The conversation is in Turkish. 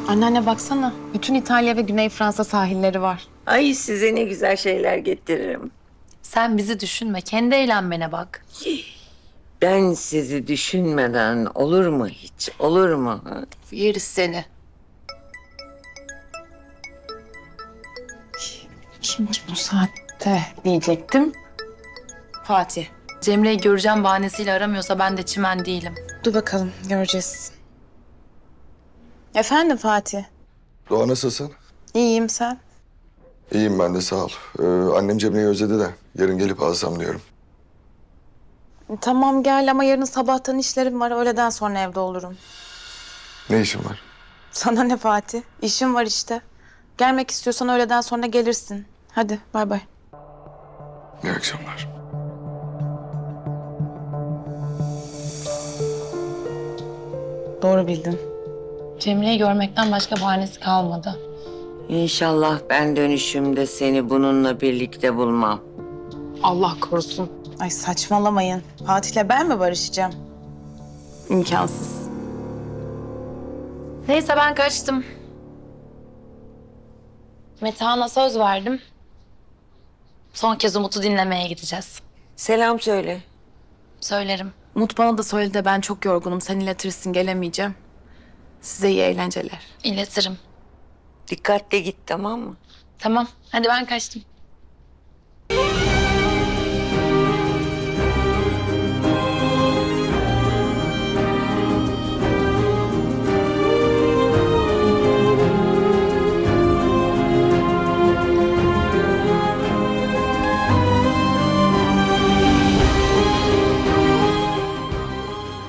Anneanne baksana. Bütün İtalya ve Güney Fransa sahilleri var. Ay size ne güzel şeyler getiririm. Sen bizi düşünme, kendi eğlenmene bak. Ben sizi düşünmeden olur mu hiç? Olur mu? Ha? Yeriz seni. Kim ki bu saatte diyecektim. Fatih. Cemre'yi göreceğim bahanesiyle aramıyorsa ben de çimen değilim. Dur bakalım göreceğiz. Efendim Fatih. Doğa nasılsın? İyiyim sen. İyiyim ben de sağ ol. Annem Cemre'yi özledi de yarın gelip alsam diyorum. Tamam gel ama yarın sabahtan işlerim var. Öğleden sonra evde olurum. Ne işin var? Sana ne Fatih? İşim var işte. Gelmek istiyorsan öğleden sonra gelirsin. Hadi bay bay. İyi akşamlar. Doğru bildin. Cemre'yi görmekten başka bahanesi kalmadı. İnşallah ben dönüşümde seni bununla birlikte bulmam. Allah korusun. Ay saçmalamayın. Fatih'le ben mi barışacağım? İmkansız. Neyse ben kaçtım. Metehan'a söz verdim. Son kez Umut'u dinlemeye gideceğiz. Selam söyle. Söylerim. Umut bana da söyledi de ben çok yorgunum. Sen iletirsin gelemeyeceğim. Size iyi eğlenceler. İletirim. Dikkatle git tamam mı? Tamam, hadi ben kaçtım.